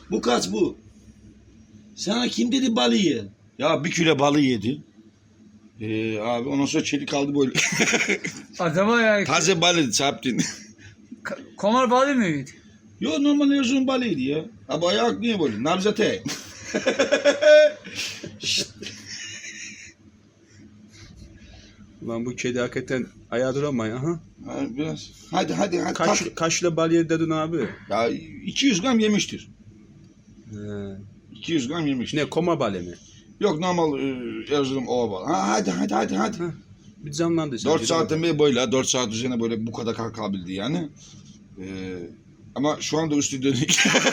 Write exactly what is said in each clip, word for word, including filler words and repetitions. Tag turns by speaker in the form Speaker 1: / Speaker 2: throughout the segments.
Speaker 1: Bu kaç bu? Sana kim dedi balığı ye? Ya bir kilo balığı yedi. Ee, abi ondan sonra çelik kaldı böyle.
Speaker 2: Acaba ya
Speaker 1: Taze balığı çarptın.
Speaker 2: k- komar balığı mıydı?
Speaker 1: Yo normal yazın balığıydı ya. Abi ayak niye böyle? Nabzate.
Speaker 3: Ulan bu kedi hakikaten ayağa duramıyor ha.
Speaker 1: Hadi biraz. Hadi hadi hadi.
Speaker 3: Kaç,
Speaker 1: tak.
Speaker 3: kaç kilo bal yedi dedin abi?
Speaker 1: Ya iki yüz gram yemiştir.
Speaker 3: He.
Speaker 1: iki yüz gram yemiştir.
Speaker 3: Ne koma balı mı?
Speaker 1: Yok normal e, Erzurum ova balığı. Ha, hadi hadi hadi hadi.
Speaker 3: Bir canlandı.
Speaker 1: dört saatten beri böyle dört saat üzerine böyle bu kadar kalkabildi yani. Ee, ama şu anda üstü dönük.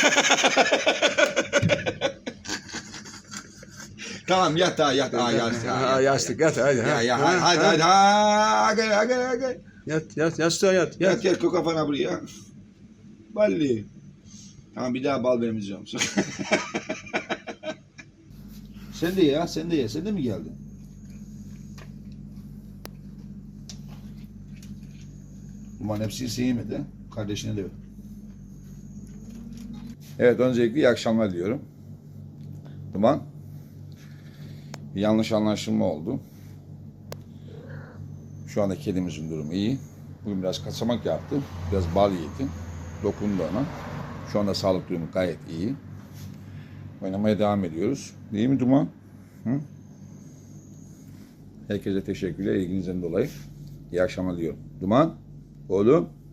Speaker 1: Tamam yat daha yat. Aa, yat,
Speaker 3: Ha,
Speaker 1: yat,
Speaker 3: yastık yat hadi.
Speaker 1: Ya
Speaker 3: ha.
Speaker 1: ya
Speaker 3: Ha,
Speaker 1: hadi
Speaker 3: ha.
Speaker 1: hadi hadi hadi hadi hadi.
Speaker 3: Yat yat yastığa yat.
Speaker 1: Yat
Speaker 3: Yat.
Speaker 1: yat koy kafana buraya. Balli. Tamam bir daha bal vermeyeceğim. Sen de ya sen de ye. Sen de mi geldin? Umarım hepsini sevmedi. Kardeşine de ver. Evet öncelikle iyi akşamlar diyorum. Duman. Bir yanlış anlaşılma oldu. Şu anda kedimizin durumu iyi. Bugün biraz kaçamak yaptı. Biraz bal yedi. Dokundu ona. Şu anda sağlık durumu gayet iyi. Oynamaya devam ediyoruz. Değil mi Duman? Hı? Herkese teşekkürler ilginizden dolayı. İyi akşamlar diyorum. Duman, oğlum.